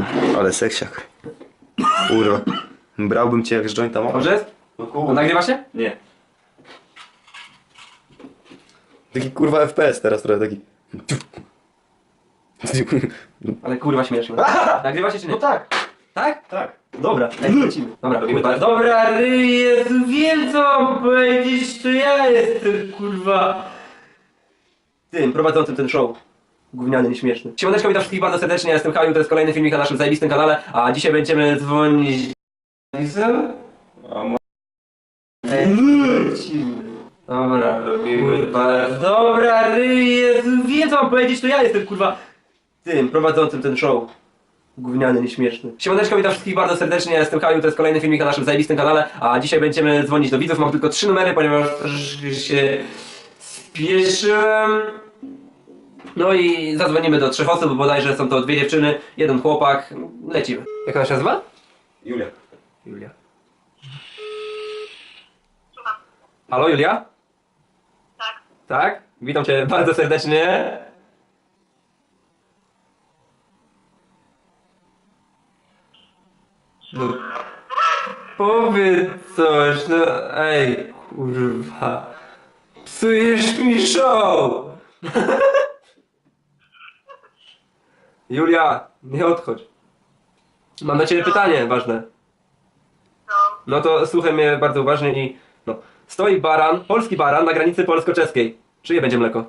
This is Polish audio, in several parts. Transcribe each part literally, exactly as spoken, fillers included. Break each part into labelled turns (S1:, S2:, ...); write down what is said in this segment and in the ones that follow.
S1: No, ale seksiak. Kurwa. Brałbym cię jak z jointa mama.
S2: Dobrze jest?
S1: No
S2: A
S1: kurwa.
S2: nagrywa się?
S1: Nie. Taki kurwa F P S teraz trochę taki.
S2: Ale kurwa śmieszne. Nagrywa się czy nie?
S1: No tak.
S2: Tak?
S1: Tak.
S2: Dobra, ej, lecimy. Dobra,
S1: Robimy
S2: kurwa.
S1: tak?
S2: Dobra, Jezu, wiem co mam powiedzieć, to ja jestem, kurwa, tym, prowadzącym ten show. Gówniany, nieśmieszny. Siemaneczko, witam wszystkich bardzo serdecznie, ja jestem Kaju, to jest kolejny filmik na naszym zajebistym kanale, a dzisiaj będziemy dzwonić... Ej, lecimy. Dobra, kurwa, dobra, Jezu, wiem co mam powiedzieć, to ja jestem, kurwa, tym, prowadzącym ten show. Gówniany, nieśmieszny. Siemaneczko, witam wszystkich bardzo serdecznie, ja jestem Kaju, to jest kolejny filmik na naszym zajebistym kanale, a dzisiaj będziemy dzwonić do widzów, mam tylko trzy numery, ponieważ się spieszyłem. No i zadzwonimy do trzech osób, bodajże są to dwie dziewczyny, jeden chłopak, lecimy. Jak ona się nazywa?
S1: Julia.
S2: Julia. Halo, Julia?
S3: Tak.
S2: Tak? Witam cię bardzo serdecznie. No, powiedz coś, no ej, kurwa. Psujesz mi show! Julia, nie odchodź. Mam do ciebie pytanie ważne.
S3: No.
S2: No to słuchaj mnie bardzo uważnie i no. Stoi baran, polski baran na granicy polsko-czeskiej. Czyje będzie mleko?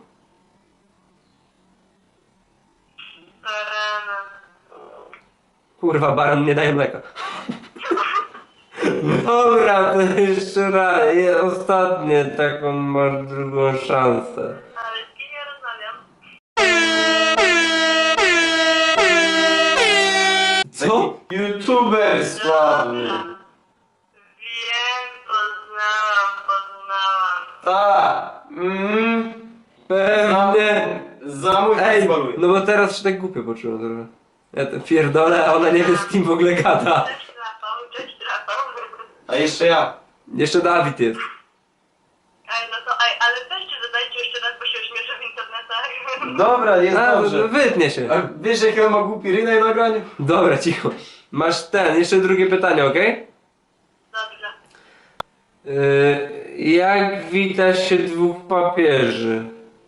S3: Eee,
S2: Kurwa, baran nie daje mleka. Dobra, to jeszcze raz, je- ostatnie, taką masz drugą szansę.
S3: ale z kim ja rozmawiam?
S2: Co?
S1: YouTuber sławny.
S3: Wiem, poznałam, poznałam.
S1: Tak. Mm.
S2: Pewnie.
S1: Zamój
S2: Ej,
S1: pozwoluj.
S2: no bo teraz się tak głupio poczułem trochę. Ja to pierdolę, a ona nie wie z kim w ogóle gada.
S3: Cześć Rafał, cześć Rafał.
S1: A jeszcze ja.
S2: Jeszcze Dawid jest.
S3: Ej, no to ej, ale weźcie zadajcie jeszcze raz, bo się ośmieszę w internetach.
S1: Dobra, jest
S2: A,
S1: dobrze.
S2: wytnie się.
S1: A wiesz jaki on ma głupi rynek na nagraniu?
S2: Dobra, cicho. Masz ten, jeszcze drugie pytanie, okej?
S3: Dobrze.
S2: Yy, jak wita się dwóch papieży?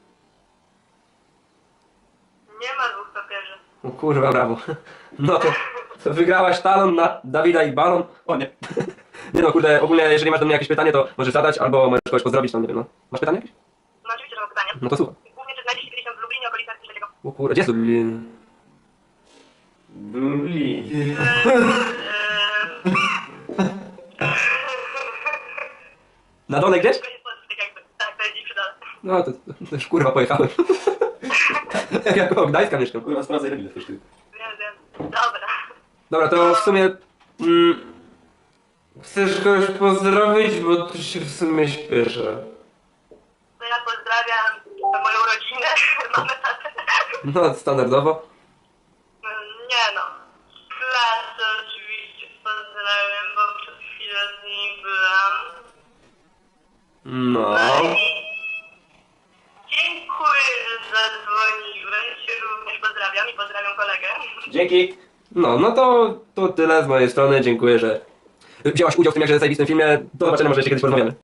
S3: Nie ma dwóch papieży.
S2: O kurwa, brawo. No to, to wygrałaś talon na Dawida i balon.
S1: O nie.
S2: Nie no, kurde, ogólnie jeżeli masz do mnie jakieś pytanie, to możesz zadać, albo możesz kogoś pozdrowić, tam nie wiem, no. Masz pytanie jakieś?
S3: No oczywiście, że mam pytanie.
S2: No to słuchaj.
S3: Głównie, czy znajdzie się kiedyś tam w Lublinie, okolicach trzeciego?
S2: O kurde, gdzie jest Lublin?
S1: Bluli.
S2: Na dole gdzieś?
S3: To jest Polski, tak jakby. Tak, to jest gdzieś przy dole.
S2: No to, to już kurwa pojechałem. Ja koło Gdańska mieszkam.
S1: Kurwa, sprawdzaj ile też ty.
S3: Wiem, wiem. Dobra.
S2: Dobra, to w sumie... Mm, chcesz kogoś pozdrowić, bo tu się w sumie śpieszę.
S3: To ja pozdrawiam moją rodzinę, mamę, tatę.
S2: No, standardowo.
S3: Nie no. Klasę oczywiście pozdrawiam, bo przed chwilą z nim byłam.
S2: No.
S3: Dziękuję, że zadzwoniłeś. Również pozdrawiam i pozdrawiam kolegę.
S1: Dzięki.
S2: No, no to, to tyle z mojej strony. Dziękuję, że wzięłaś udział w tym jakże zajebistym filmie. Do zobaczenia, może jeszcze kiedyś porozmawiamy.